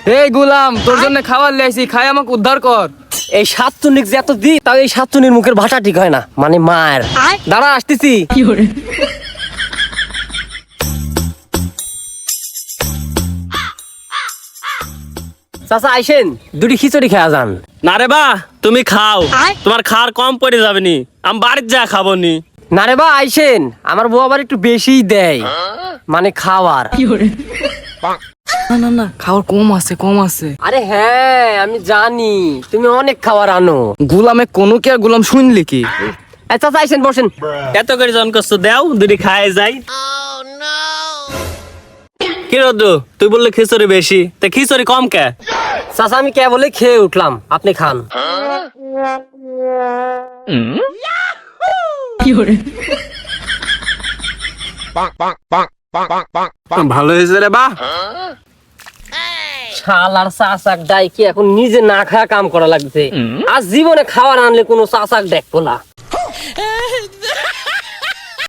এই গোলাম, তোর জন্য খাবার লাইছি, খাই আমাকে উদ্ধার কর। এই সাতচুন্নিক যে এত দি, তাও এই সাতচুন্নির মুখের ভাষা ঠিক হয় না, মানে মার। দাঁড়া, আসতেছি। চাচা আইসেন, দুটি খিচুড়ি খেয়া যান। না রে বা, তুমি খাও, তোমার খাওয়ার কম পড়ে যাবে নি, আমি বাড়ির যা খাবো নি। না রে বা, আইসেন, আমার বউ আবার একটু বেশিই দেয়, মানে খাওয়ার। না না না, খাবার কম আছে, কম আছে। আরে হ্যাঁ, আমি জানি তুমি অনেক খাবার আনো। গোলামে কোনো কে আর গোলাম শুনলি কি? এই চাচা আইসেন, বসেন। এত করে জন করছো, দেও দুটি খায় যাই। কি রোদ্দু, তুই বললি খিচুড়ি বেশি, তা খিচুড়ি কম কে? চাচা আমি কে বলে খেয়ে উঠলাম, আপনি খান। ভালো হয়েছে রে বা। শালার চাচাক ডাই কি এখন নিজে না খায়া কাম করা লাগছে। আর জীবনে খাবার আনলে কোনো চাচাক দেখবো না।